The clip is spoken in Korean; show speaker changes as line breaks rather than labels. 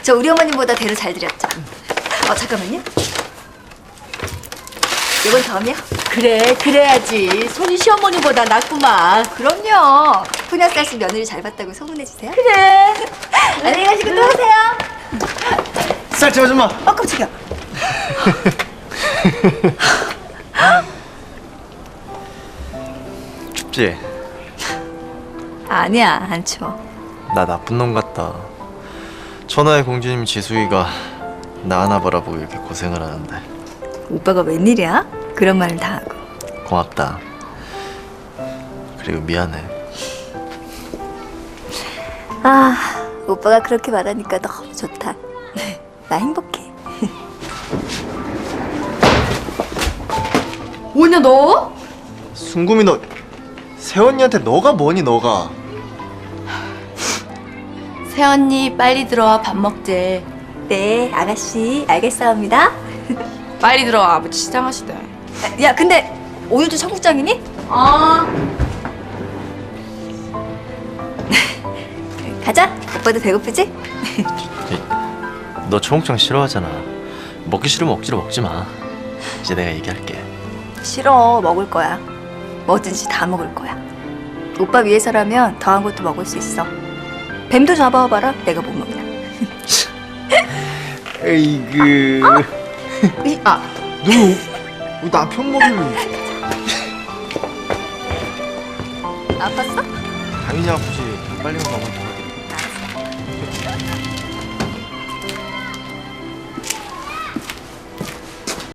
저 우리 어머님보다 대로 잘 드렸죠. 잠깐만요. 이건 덤이요?
그래, 그래야지. 손이 시어머니보다 낫구만.
그럼요. 푸녀 씨 며느리 잘 봤다고 소문내 주세요.
그래.
안녕히 가시고 또 오세요.
쌀집 아줌마.
깜짝이야.
춥지?
아니야, 안 추워.
나 나쁜 놈 같다. 천하의 공주님 지수이가 나 하나 바라보고 이렇게 고생을 하는데.
오빠가 웬일이야? 그런 말을 다 하고.
고맙다. 그리고 미안해.
오빠가 그렇게 말하니까 너무 좋다. 나 행복해.
뭐냐, 너?
순금이 너 새언니한테 너가 뭐니 너가?
새언니, 빨리 들어와. 밥 먹재.
네, 아가씨 알겠사옵니다.
빨리 들어와. 아버지 시장하시대.
야, 근데 오늘도 청국장이니? 가자. 오빠도 배고프지?
너 초목장 싫어하잖아. 먹기 싫으면 억지로 먹지 마. 이제 내가 얘기할게.
싫어. 먹을 거야. 뭐든지 다 먹을 거야. 오빠 위해서라면 더한 것도 먹을 수 있어. 뱀도 잡아와봐라. 내가 못 먹나.
에이그. 너 남편 먹으면
아팠어?
당연히 아프지. 빨리 먹어.